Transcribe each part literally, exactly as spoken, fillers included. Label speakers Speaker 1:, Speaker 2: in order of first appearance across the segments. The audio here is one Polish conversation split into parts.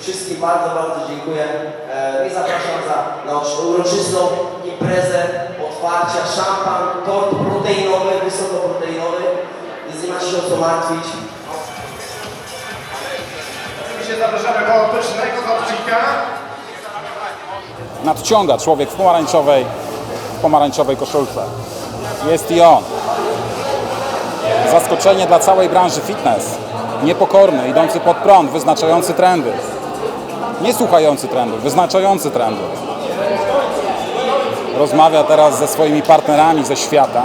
Speaker 1: Wszystkim bardzo, bardzo dziękuję e, i zapraszam za, na uroczystą imprezę otwarcia. Szampan, tort proteinowy, wysokoproteinowy, więc nie macie się o co martwić.
Speaker 2: Oczywiście zapraszamy koło pysznego torcika.
Speaker 3: Nadciąga człowiek w pomarańczowej, w pomarańczowej koszulce. Jest i on. Zaskoczenie dla całej branży fitness. Niepokorny, idący pod prąd, wyznaczający trendy. Nie słuchający trendów, wyznaczający trendy. Rozmawia teraz ze swoimi partnerami ze świata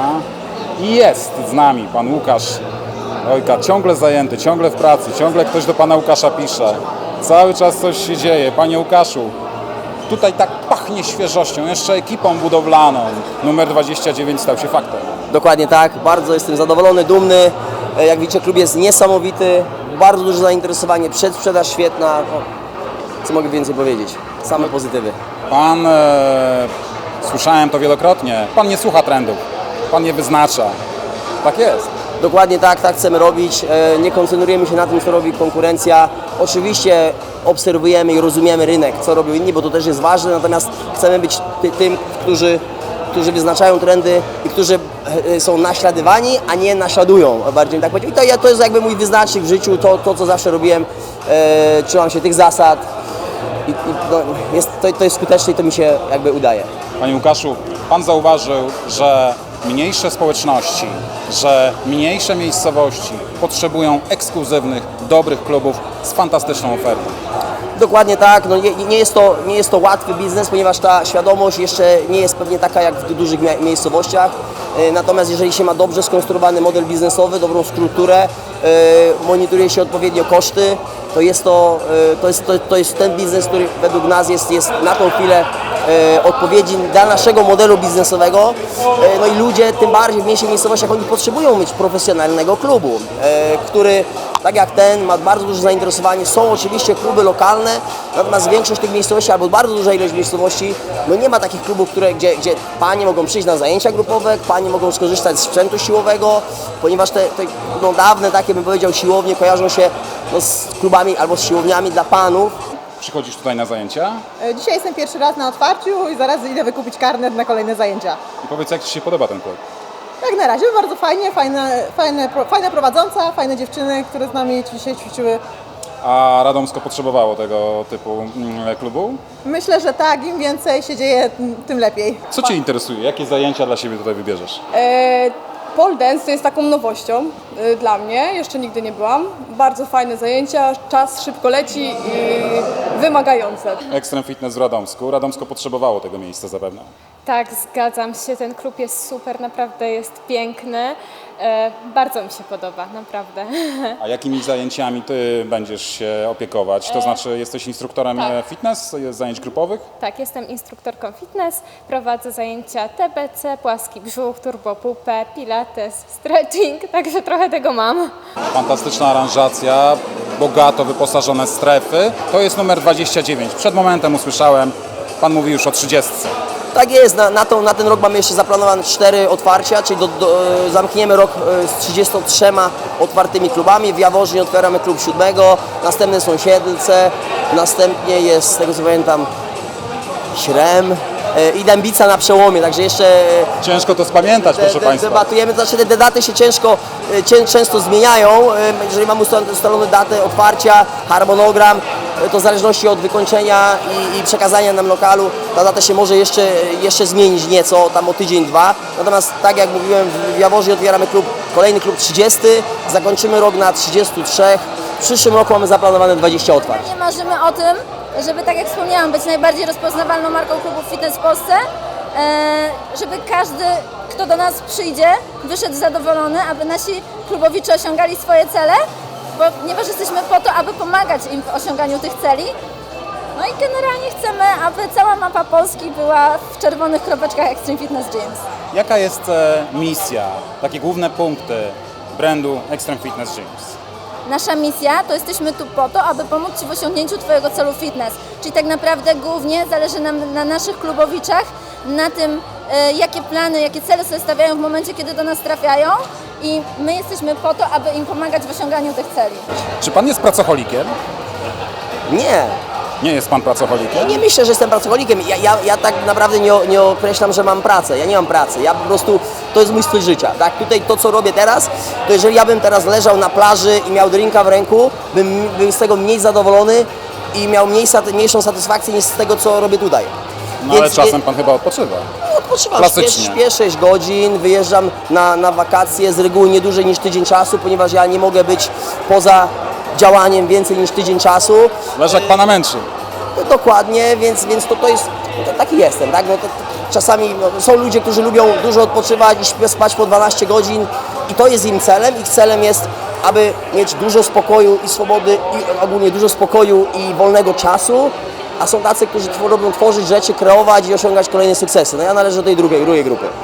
Speaker 3: i jest z nami pan Łukasz Ojka, ciągle zajęty, ciągle w pracy, ciągle ktoś do pana Łukasza pisze. Cały czas coś się dzieje. Panie Łukaszu, tutaj tak pachnie świeżością, jeszcze ekipą budowlaną. Numer dwadzieścia dziewięć stał się faktem.
Speaker 1: Dokładnie tak, bardzo jestem zadowolony, dumny. Jak widzicie, klub jest niesamowity, bardzo duże zainteresowanie, przedsprzedaż świetna. No, co mogę więcej powiedzieć? Same pozytywy.
Speaker 3: Pan, e, słyszałem to wielokrotnie, pan nie słucha trendów, pan nie wyznacza. Tak jest.
Speaker 1: Dokładnie tak, tak chcemy robić. Nie koncentrujemy się na tym, co robi konkurencja. Oczywiście obserwujemy i rozumiemy rynek, co robią inni, bo to też jest ważne, natomiast chcemy być ty, tym, którzy, którzy wyznaczają trendy i którzy są naśladowani, a nie naśladują, bardziej tak powiedzieć. I to, to jest jakby mój wyznacznik w życiu, to, to co zawsze robiłem, e, trzymam się tych zasad i, i no, jest, to, to jest skuteczne i to mi się jakby udaje.
Speaker 3: Panie Łukaszu, pan zauważył, że mniejsze społeczności, że mniejsze miejscowości potrzebują ekskluzywnych, dobrych klubów z fantastyczną ofertą.
Speaker 1: Dokładnie tak, no nie, nie, jest to, nie jest to łatwy biznes, ponieważ ta świadomość jeszcze nie jest pewnie taka jak w dużych mia miejscowościach. Yy, natomiast jeżeli się ma dobrze skonstruowany model biznesowy, dobrą strukturę, yy, monitoruje się odpowiednio koszty, to jest to, yy, to, jest, to, to jest ten biznes, który według nas jest, jest na tą chwilę yy, odpowiedzi dla naszego modelu biznesowego. Yy, no i ludzie, tym bardziej w mniejszych miejscowościach, oni potrzebują mieć profesjonalnego klubu, yy, który tak jak ten ma bardzo duże zainteresowanie. Są oczywiście kluby lokalne, natomiast większość tych miejscowości, albo bardzo duża ilość miejscowości, no nie ma takich klubów, które, gdzie, gdzie panie mogą przyjść na zajęcia grupowe, panie mogą skorzystać z sprzętu siłowego, ponieważ te, te no, dawne takie, bym powiedział, siłownie kojarzą się no, z klubami albo z siłowniami dla panów.
Speaker 3: Przychodzisz tutaj na zajęcia
Speaker 4: Dzisiaj jestem pierwszy raz na otwarciu i zaraz idę wykupić karnet na kolejne zajęcia.
Speaker 3: i powiedz, jak ci się podoba ten klub?
Speaker 4: Jak na razie bardzo fajnie, fajne, fajne, fajna prowadząca, fajne dziewczyny, które z nami dzisiaj ćwiczyły.
Speaker 3: A Radomsko potrzebowało tego typu mm, klubu?
Speaker 4: Myślę, że tak, im więcej się dzieje, tym lepiej.
Speaker 3: Co cię interesuje? Jakie zajęcia dla siebie tutaj wybierzesz?
Speaker 5: E, pole dance jest taką nowością e, dla mnie, jeszcze nigdy nie byłam. Bardzo fajne zajęcia, czas szybko leci i wymagające.
Speaker 3: Extreme Fitness w Radomsku. Radomsko potrzebowało tego miejsca zapewne.
Speaker 6: Tak, zgadzam się. Ten klub jest super, naprawdę jest piękny. E, bardzo mi się podoba, naprawdę.
Speaker 3: A jakimi zajęciami ty będziesz się opiekować? To znaczy jesteś instruktorem
Speaker 6: tak.
Speaker 3: fitness, zajęć grupowych?
Speaker 6: Tak, jestem instruktorką fitness, prowadzę zajęcia T B C, płaski brzuch, turbopupę, pilates, stretching, także trochę tego mam.
Speaker 3: Fantastyczna aranżacja, bogato wyposażone strefy. To jest numer dwadzieścia dziewięć. Przed momentem usłyszałem, pan mówi już o trzydziestce.
Speaker 1: Tak jest, na, na, tą, na ten rok mamy jeszcze zaplanowane cztery otwarcia, czyli do, do, zamkniemy rok z trzydziestoma trzema otwartymi klubami. W Jaworznie otwieramy klub siódmego, następne są Siedlce, następnie jest, z tego co pamiętam, Śrem i Dębica na przełomie, także jeszcze
Speaker 3: Ciężko to spamiętać,
Speaker 1: de,
Speaker 3: proszę
Speaker 1: de,
Speaker 3: państwa.
Speaker 1: debatujemy, to znaczy te daty się ciężko, cię, często zmieniają, jeżeli mamy ustalone datę otwarcia, harmonogram, to w zależności od wykończenia i, i przekazania nam lokalu, ta data się może jeszcze, jeszcze zmienić nieco, tam o tydzień, dwa. Natomiast tak jak mówiłem, w Jaworznie otwieramy klub, kolejny klub trzydziesty, zakończymy rok na trzydziestu trzech. W przyszłym roku mamy zaplanowane dwadzieścia otwarć.
Speaker 7: Marzymy o tym, żeby, tak jak wspomniałam, być najbardziej rozpoznawalną marką klubów fitness w Polsce, żeby każdy, kto do nas przyjdzie, wyszedł zadowolony, aby nasi klubowicze osiągali swoje cele, ponieważ jesteśmy po to, aby pomagać im w osiąganiu tych celi. No i generalnie chcemy, aby cała mapa Polski była w czerwonych kropeczkach Extreme Fitness Gyms.
Speaker 3: Jaka jest e, misja, takie główne punkty brandu Extreme Fitness Gyms?
Speaker 7: Nasza misja to jesteśmy tu po to, aby pomóc Ci w osiągnięciu Twojego celu fitness. Czyli tak naprawdę głównie zależy nam na naszych klubowiczach, na tym, e, jakie plany, jakie cele sobie stawiają w momencie, kiedy do nas trafiają i my jesteśmy po to, aby im pomagać w osiąganiu tych celi.
Speaker 3: Czy pan jest pracocholikiem?
Speaker 1: Nie.
Speaker 3: Nie jest pan pracocholikiem?
Speaker 1: Nie myślę, że jestem pracownikiem. Ja, ja, ja tak naprawdę nie, nie określam, że mam pracę. Ja nie mam pracy. Ja po prostu, to jest mój styl życia. Tak? Tutaj to, co robię teraz, to jeżeli ja bym teraz leżał na plaży i miał drinka w ręku, bym był z tego mniej zadowolony i miał mniej, mniejszą satysfakcję niż z tego, co robię tutaj.
Speaker 3: No ale
Speaker 1: Więc-
Speaker 3: czasem pan chyba odpoczywa.
Speaker 1: Odpoczywam, śpię,
Speaker 3: Klasycznie.
Speaker 1: śpię sześć godzin, wyjeżdżam na, na wakacje z reguły nie dłużej niż tydzień czasu, ponieważ ja nie mogę być poza działaniem więcej niż tydzień czasu.
Speaker 3: Leżak pana męczy.
Speaker 1: Dokładnie, więc, więc to, to jest, to, taki jestem, tak? No to, to, czasami no, są ludzie, którzy lubią dużo odpoczywać i śpią, spać po dwanaście godzin i to jest im celem. Ich celem jest, aby mieć dużo spokoju i swobody i ogólnie dużo spokoju i wolnego czasu, a są tacy, którzy tw- robią tworzyć rzeczy, kreować i osiągać kolejne sukcesy. No ja należę do tej drugiej, drugiej grupy.